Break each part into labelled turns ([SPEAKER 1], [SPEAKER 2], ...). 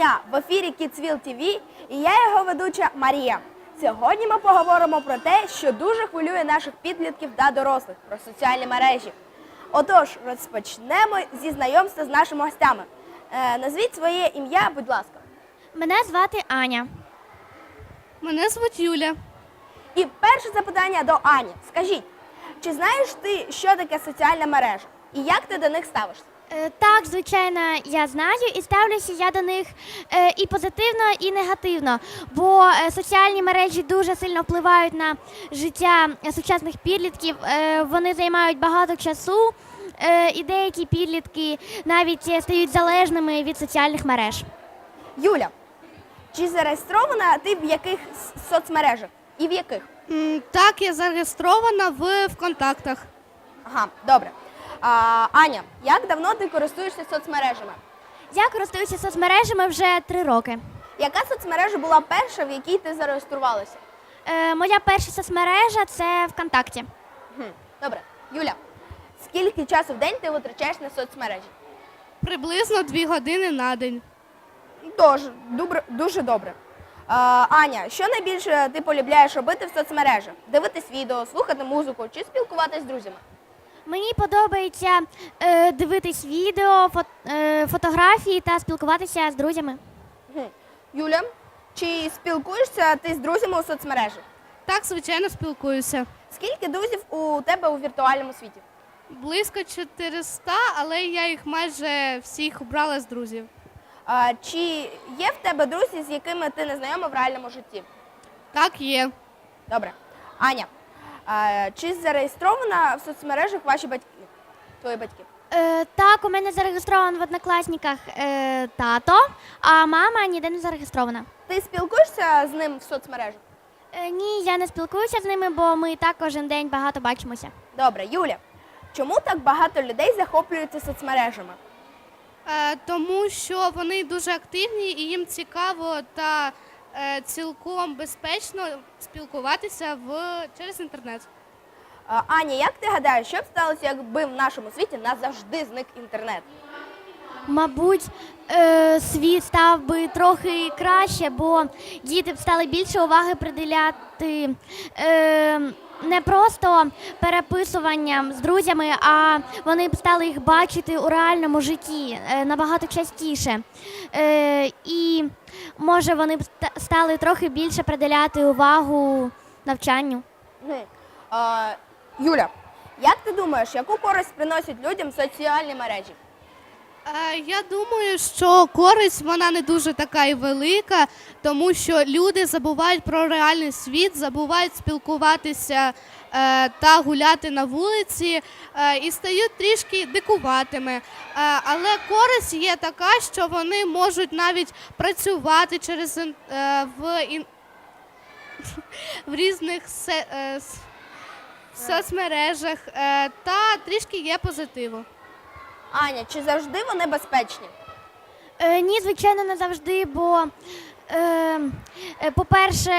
[SPEAKER 1] дня! В ефірі Kidsville TV і я його ведуча Марія. Сьогодні ми поговоримо про те, що дуже хвилює наших підлітків та дорослих, про соціальні мережі. Отож, розпочнемо зі знайомства з нашими гостями. Назвіть своє ім'я, будь ласка.
[SPEAKER 2] Мене звати Аня.
[SPEAKER 3] Мене звуть Юля.
[SPEAKER 1] І перше запитання до Ані. Скажіть, чи знаєш ти, що таке соціальна мережа? І як ти до них ставишся?
[SPEAKER 2] Так, звичайно, я знаю і ставлюся я до них і позитивно, і негативно, бо соціальні мережі дуже сильно впливають на життя сучасних підлітків, вони займають багато часу, і деякі підлітки навіть стають залежними від соціальних мереж.
[SPEAKER 1] Юля, чи зареєстрована ти в яких соцмережах? І в яких?
[SPEAKER 3] Так, я зареєстрована в ВКонтактах.
[SPEAKER 1] Ага, добре. Аня, як давно ти користуєшся соцмережами?
[SPEAKER 2] Я користуюся соцмережами вже 3 роки.
[SPEAKER 1] Яка соцмережа була перша, в якій ти зареєструвалася?
[SPEAKER 2] Моя перша соцмережа – це ВКонтакті.
[SPEAKER 1] Добре. Юля, скільки часу в день ти витрачаєш на соцмережі?
[SPEAKER 3] Приблизно 2 години на день.
[SPEAKER 1] Дуже добре. Аня, що найбільше ти полюбляєш робити в соцмережах? Дивитись відео, слухати музику чи спілкуватись з друзями?
[SPEAKER 2] Мені подобається дивитись відео, фотографії та спілкуватися з друзями.
[SPEAKER 1] Юля, чи спілкуєшся ти з друзями у соцмережах?
[SPEAKER 3] Так, звичайно, спілкуюся.
[SPEAKER 1] Скільки друзів у тебе у віртуальному світі?
[SPEAKER 3] Близько 400, але я їх майже всіх обрала з друзів.
[SPEAKER 1] Чи є в тебе друзі, з якими ти не знайома в реальному житті?
[SPEAKER 3] Так, є.
[SPEAKER 1] Добре. Аня, чи зареєстрована в соцмережах ваші батьки? Твої батьки?
[SPEAKER 2] Так, у мене зареєстрований в Однокласниках тато, а мама ніде не зареєстрована.
[SPEAKER 1] Ти спілкуєшся з ним в соцмережах?
[SPEAKER 2] Ні, я не спілкуюся з ними, бо ми так кожен день багато бачимося.
[SPEAKER 1] Добре. Юля, чому так багато людей захоплюються соцмережами?
[SPEAKER 3] Тому що вони дуже активні і їм цікаво та цілком безпечно спілкуватися через інтернет.
[SPEAKER 1] Аня, як ти гадаєш, що б сталося, якби в нашому світі назавжди зник інтернет?
[SPEAKER 2] Мабуть, світ став би трохи краще, бо діти б стали більше уваги приділяти не просто переписуванням з друзями, а вони б стали їх бачити у реальному житті набагато частіше. І, може, вони б стали трохи більше приділяти увагу навчанню.
[SPEAKER 1] Юля, як ти думаєш, яку користь приносять людям соціальні мережі?
[SPEAKER 3] Я думаю, що користь вона не дуже така і велика, тому що люди забувають про реальний світ, забувають спілкуватися та гуляти на вулиці і стають трішки дикуватими. Але користь є така, що вони можуть навіть працювати в різних соцмережах та трішки є позитиву.
[SPEAKER 1] Аня, чи завжди вони безпечні?
[SPEAKER 2] Ні, звичайно, не завжди, бо, по-перше,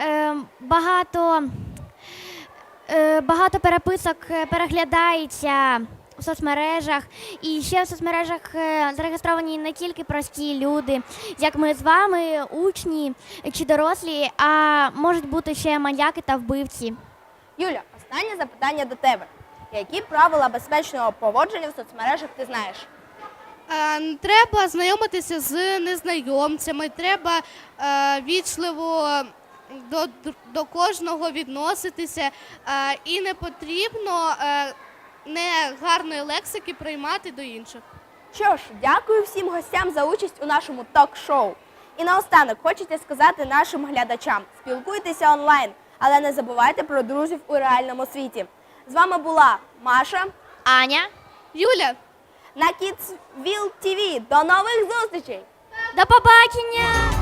[SPEAKER 2] багато переписок переглядається у соцмережах. І ще в соцмережах зареєстровані не тільки прості люди, як ми з вами, учні чи дорослі, а можуть бути ще маньяки та вбивці.
[SPEAKER 1] Юля, останнє запитання до тебе. Які правила безпечного поводження в соцмережах ти знаєш?
[SPEAKER 3] Треба знайомитися з незнайомцями, треба вічливо до кожного відноситися і не потрібно негарної лексики приймати до інших.
[SPEAKER 1] Що ж, дякую всім гостям за участь у нашому ток-шоу. І наостанок хочете сказати нашим глядачам: спілкуйтеся онлайн, але не забувайте про друзів у реальному світі. З вами була Маша,
[SPEAKER 2] Аня,
[SPEAKER 3] Юля.
[SPEAKER 1] на Kidsville TV. До нових зустрічей!
[SPEAKER 2] до побачення!